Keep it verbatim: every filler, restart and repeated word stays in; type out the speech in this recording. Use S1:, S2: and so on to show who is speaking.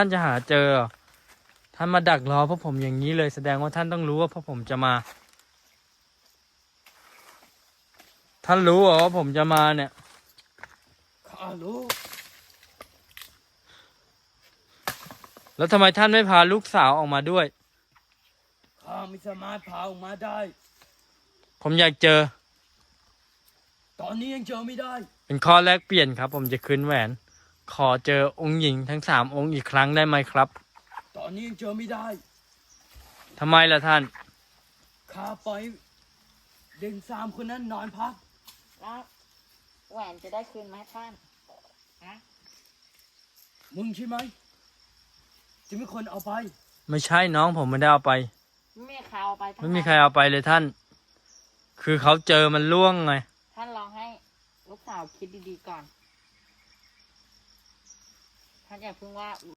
S1: ท่านจะหาเจอเหรอท่านมาดักรอพวกผมอย่างนี้เลยแสดงว่าท่านต้องรู้ว่าพวกผมจะมา ท่านรู้เหรอว่าผมจะมาเนี่ย
S2: ข้ารู้
S1: แล้วทำไมท่านไม่พาลูกสาวออกมาด้วย
S2: ข้าไม่สามารถพาออกมาได้
S1: ผมอยากเจอ
S2: ตอนนี้ยังเจอไม่ได้
S1: เป็นข้อแลกเปลี่ยนครับ ผมจะคืนแหวน ขอเจอองค์หญิงทั้งสามองค์อีกครั้งได้ไหมครับ
S2: ตอนนี้ยังเจอไม่ได้
S1: ทำไมล่ะท่าน
S2: ข้าปล่อยเด็กสามคนนั้นนอนพัก
S3: แล้วแหวนจะได้คืนไหมท่านฮะ
S2: มึงใช่ไหมจะไม่คนเอาไป
S1: ไม่ใช่น้องผมไม่ได้เอาไป
S3: ไม่มีใครเอาไปทั้ง
S1: ไม่มี
S3: นั้น
S1: ใครเอาไปเลยท่าน คือเขาเจอมันล่วงไง
S3: ท่านลองให้ลูกสาวคิดดีๆก่อน ท่านอย่าเพิ่งว่า